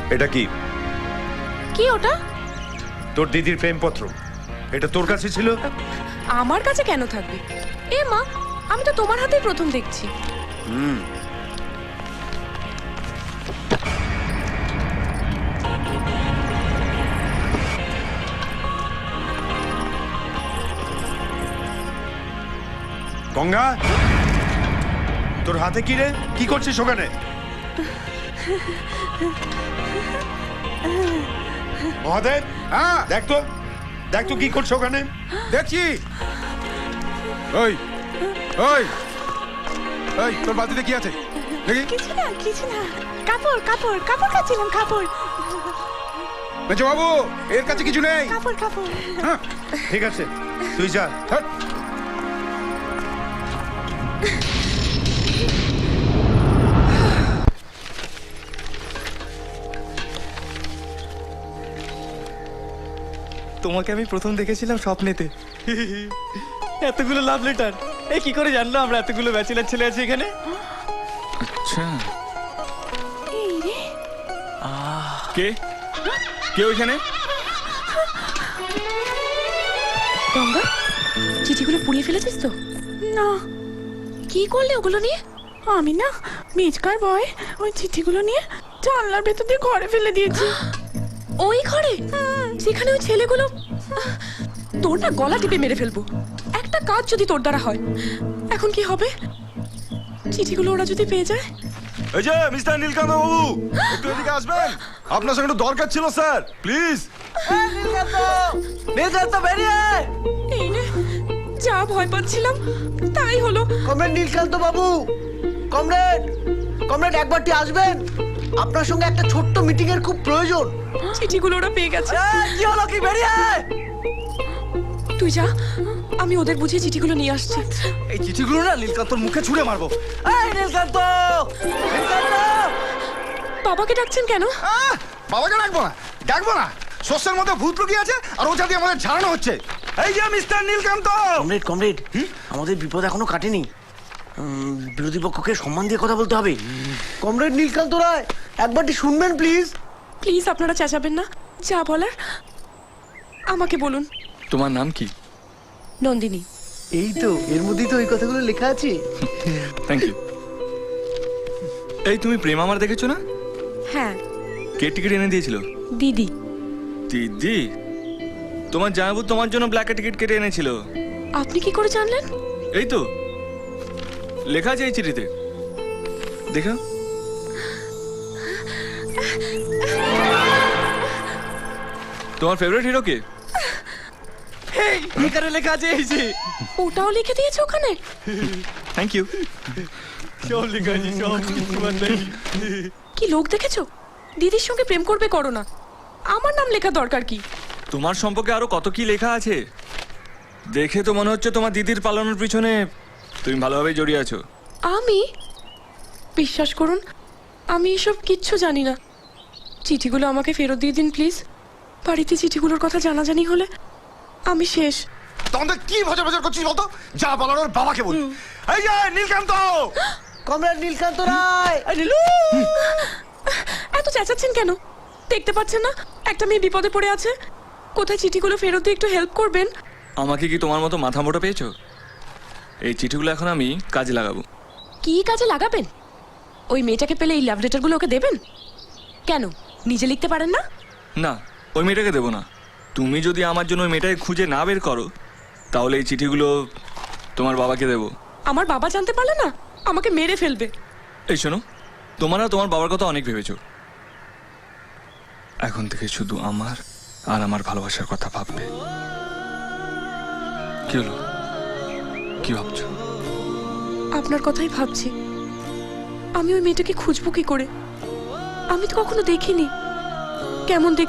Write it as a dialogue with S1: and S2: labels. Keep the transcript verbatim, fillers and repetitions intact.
S1: এটা কি?
S2: কি ওটা?
S1: তোর দিদির প্রেমপত্র। এটা তোর কাছে ছিল?
S2: আমার কাছে কেন থাকবে? এ মা, আমি তো তোমার হাতেই প্রথম দেখছি।
S1: হুম। গঙ্গা, তোর হাতে কি রে? কি করছিস ওখানে? মহাদেব,
S3: হ্যাঁ
S1: দেখ তো, দেখ তো কি করছো ওখানে?
S3: দেখছি। ওই ওই ওই তোর বালতিতে কি আছে দেখি?
S2: কিছু না, কিছু না। কাপড় কাপড় কাপড় কাচ্ছিলাম, কাপড়
S3: বেঁচে বাবু, এর কাছে কিছু নেই।
S2: কাপড় কাপড়।
S3: হ্যাঁ,
S1: ঠিক আছে, তুই যা।
S3: হ্যাট।
S4: তোমাকে আমি প্রথম দেখেছিলাম স্বপ্নেতে। এতগুলো লাভ লেটার, এই কি করে জানলো আমরা এতগুলো ব্যাচেলার ছেলে আছে এখানে?
S5: আচ্ছা,
S2: এই রে,
S5: কে কে ওইখানে?
S2: গঙ্গা, চিঠিগুলো পুড়িয়ে ফেলেছিস তো? না। কি করলে ওগুলো নিয়ে? আমি না মেজকার বয় ওই চিঠিগুলো নিয়ে জানলার ভেতর দিয়ে ঘরে ফেলে দিয়েছি। ওই ঘরে যেখানে ওই ছেলেগুলো? তোর না গলা টিপে মেরে ফেলবো একটা কাজ যদি তোর দ্বারা হয়। এখন কি হবে? চিঠিগুলো ওরা যদি পেয়ে যায়?
S6: এই যে মিস্টার নীলকান্ত বাবু, একটু এদিকে আসবেন। আপনার সঙ্গে একটু দরকার ছিল স্যার, প্লিজ।
S4: নীলকান্ত বেরিয়ে আয়।
S2: এই রে, যা ভয় পাচ্ছিলাম তাই হলো।
S7: কমরেড নীলকান্ত বাবু, কমরেড কমরেড একবারটি আসবেন, আপনার সঙ্গে একটা ছোট্ট মিটিং এর খুব প্রয়োজন।
S2: চিঠিগুলো ওরা পেয়ে গেছে।
S7: কি হলো কি? বেরিয়ে আয়।
S2: তুই যা, আমি ওদের বুঝিয়ে চিঠিগুলো নিয়ে আসছি।
S4: এই চিঠিগুলো না নীলকান্তর মুখে ছুঁড়ে মারবো।
S7: এই নীলকান্ত, নীলকান্ত!
S2: বাবাকে ডাকছেন কেন?
S3: আহ, বাবাকে ডাকবো না, ডাকবো না। শস্যের মধ্যে ভূত লুকিয়ে আছে আর ওটা দিয়ে আমাদের ঝাড়ানো হচ্ছে।
S6: এই যে মিস্টার নীলকান্ত।
S7: কমরেড কমরেড, আমাদের বিপদ এখনো কাটেনি। উম, বিরোধী পক্ষকে সম্মান দিয়ে কথা বলতে হবে। কমরেড নীলকান্ত রায়, একবারটি শুনবেন প্লিজ।
S2: প্লিজ আপনারা চেঁচাবেন না, যা বলার আমাকে বলুন।
S5: তোমার নাম কি?
S2: নন্দিনী।
S7: এই তো, এর মধ্যেই তো ওই কথাগুলো লেখা আছে।
S5: Thank you. এই তুমি প্রেম আমার দেখেছো না?
S2: হ্যাঁ,
S5: কে টিকিট এনে দিয়েছিল?
S2: দিদি।
S5: দিদি? তোমার জামাইবাবু তোমার জন্য ব্ল্যাকে টিকিট কেটে এনেছিল।
S2: আপনি কি করে জানলেন?
S5: এই তো লেখা আছে এই চিঠিতে, দেখো। তোমার ফেভারিট হিরো কে?
S4: এখানে লেখা আছে এই যে।
S2: ওটাও লিখে দিয়েছে ওখানে?
S5: Thank you.
S4: সব লেখা আছে, সব তোমার নাম।
S2: কি লোক দেখেছো? দিদির সঙ্গে প্রেম করবে করো না, আমার নাম লেখা দরকার কি?
S5: তোমার সম্পর্কে আরো কত কি লেখা আছে। দেখে তো মনে হচ্ছে তোমার দিদির পালানোর পিছনে তুমি ভালোভাবেই জড়িয়ে আছো।
S2: আমি? বিশ্বাস করুন, আমি এসব কিচ্ছু জানি না। চিঠিগুলো আমাকে ফেরত দিয়ে দিন প্লিজ। বাড়িতে চিঠিগুলোর কথা জানাজানি হলে আমি শেষ।
S3: তোমাদের কি ভজা ভজা করছিস বলতো? যা বলার ওর বাবাকে বল।
S6: এই যে নীলকান্ত।
S7: কমরেড নীলকান্ত রায়।
S2: এত চেঁচাচ্ছেন কেন? দেখতে পাচ্ছেন না একটা মেয়ে বিপদে পড়ে আছে? কোথায় চিঠিগুলো ফেরত দিয়ে একটু হেল্প করবেন?
S5: আমাকে কি তোমার মতো মাথা মোটা পেয়েছো? এই চিঠিগুলো এখন আমি কাজে লাগাবো।
S2: কি কাজে লাগাবেন? ওই মেয়েটাকে পেলে এই লাভ লেটারগুলো ওকে দেবেন? কেন, নিজে লিখতে পারেন না?
S5: না, ওই মেয়েটাকে দেবো না। তুমি যদি আমার জন্য ওই মেয়েটাকে খুঁজে না বের করো তাহলে এই চিঠিগুলো তোমার বাবাকে দেবো।
S2: আমার বাবা জানতে পারলে না আমাকে মেরে ফেলবে।
S5: এই শোনো, তোমরা তোমার বাবার কথা অনেক ভেবেছো, এখন থেকে শুধু আমার আর আমার ভালোবাসার কথা ভাববে। কি হলো, কি ভাবছো?
S2: আপনার কথাই ভাবছি। আমি ওই মেয়েটাকে খুঁজবো কি করে? আমি তো কখনো দেখিনি। কেমন দেখ